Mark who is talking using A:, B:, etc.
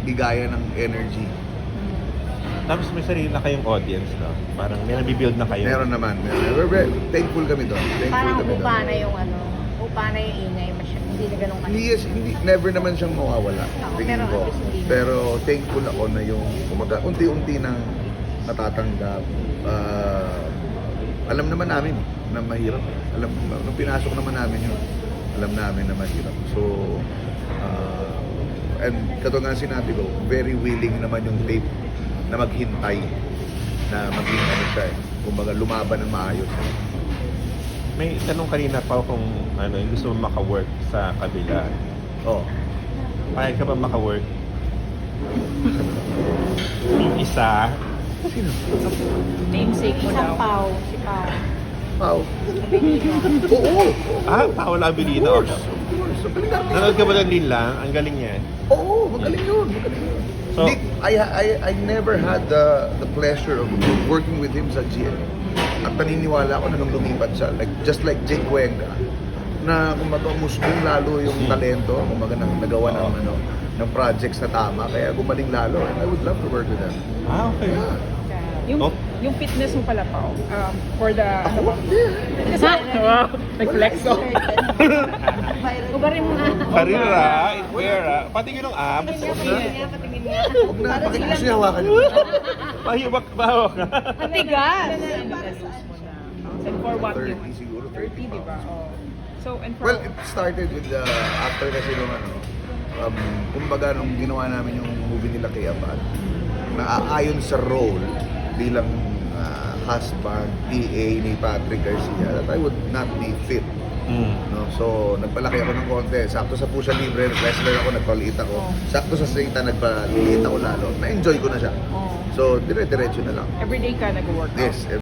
A: bigaya ng energy.
B: Tapos may sarili na kayong audience, no? Parang may nabibuild na kayo.
A: Meron naman. We're very thankful kami doon.
C: Parang upa na yung upa na yung ingay. Hindi na ganun
A: Hindi, never naman siyang mawawala. Tingin ko. Pero thankful ako na yung unti-unti nang natatanggap. Alam naman namin na mahirap. Nung pinasok naman namin yun, alam namin na mahirap. So, and katulad nga sinabi ko, very willing naman yung tape na maghintay na maging siya kumbaga lumaban ng maayos.
B: May tanong kanina pa kung yung gusto mo maka-work sa kabila.
A: Oh.
B: Payag ka ba maka-work? Yung isa.
A: Sino?
D: Namesake mo daw.
C: Pao. Si Pao.
A: Pao. Oo.
B: Paolo Abilino.
A: Of course.
B: Nanood ka ba ng din lang? Ang galing niya.
A: Oo, magaling yun.
B: So,
A: I never had the pleasure of working with him sa GMA. At paniniwala ako na nung lumipat siya, just like Jake Cuenca, na kumbaga musbong lalo yung talento, kumbaga nagawa ng projects na tama, kaya gumaling lalo. And I would love to work with him.
B: okay.
A: Yeah.
D: Yung fitness mo pala pa, for the...
A: Ako? Yeah.
D: Wow, nag-flex ko.
C: Ubarin mo nga.
B: Karira, Itwera, patingin ng abs.
C: Patingin nga.
A: Huwag na, bakit gusto niya hawakan yun?
B: Pahibak ba?
D: Ang tigas! And for what you
A: 30 siguro,
D: 30, di ba? Oh. So, and for...
A: Well, it started with after kasi nung kumbaga nung ginawa namin yung movie nila kay Abad, naaayon sa role bilang husband, PA ni Patrick Garcia, that I would not be fit. No? So, nagpalaki ako ng konti. Sakto sa Pusha Libre, wrestler ako, nagpaliit ako. Sakto sa Satan, nagpaliit ako lalo. Na-enjoy ko na siya. So, dire-diretso na lang.
D: Everyday ka nag-workout?
A: Yes,